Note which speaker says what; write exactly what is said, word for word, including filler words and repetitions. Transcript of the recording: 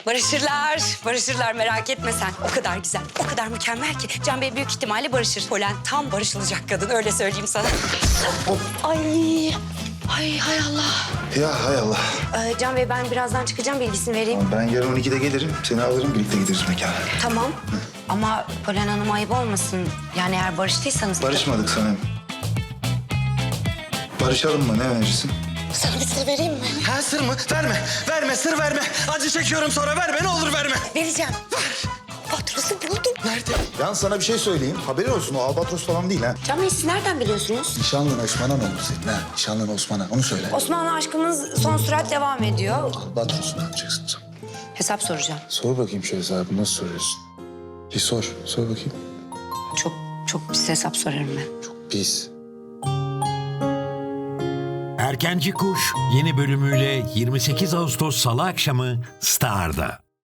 Speaker 1: Barışırlar, barışırlar merak etme sen. O kadar güzel, o kadar mükemmel ki. Can Bey büyük ihtimalle barışır. Polen tam barışılacak kadın, öyle söyleyeyim sana. Ay, ay hay Allah.
Speaker 2: Ya hay Allah.
Speaker 1: Ee, Can Bey ben birazdan çıkacağım, bilgisini vereyim.
Speaker 2: Ben yarın on ikide gelirim. Seni alırım, birlikte gideriz mekana.
Speaker 1: Tamam. Ama Polen Hanım ayıp olmasın. Yani eğer barıştıysanız...
Speaker 2: Barışmadık Sanem. Barışalım mı? Ne önerirsin?
Speaker 1: Sana bir sır vereyim mi?
Speaker 3: Ha sır mı? Verme. Verme sır verme. Acı çekiyorum sonra verme ne olur verme.
Speaker 1: Vereceğim. Faturası buldum.
Speaker 3: Nerede?
Speaker 2: Yalnız sana bir şey söyleyeyim. Haberin olsun, o albatros falan değil ha.
Speaker 1: Can Bey siz nereden biliyorsunuz?
Speaker 2: Nişanlın Osman'a ne olur senin ha? Nişanlın Osman'a, onu söyle.
Speaker 1: Osmanlı aşkımız son sürat devam ediyor.
Speaker 2: Albatros'u ne yapacaksın sen?
Speaker 1: Hesap soracağım.
Speaker 2: Sor bakayım şu hesabı, nasıl soruyorsun? Bir sor, sor bakayım.
Speaker 1: Çok, çok pis hesap sorarım ben.
Speaker 2: Çok pis.
Speaker 4: Erkenci Kuş yeni bölümüyle yirmi sekiz Ağustos Salı akşamı Star'da.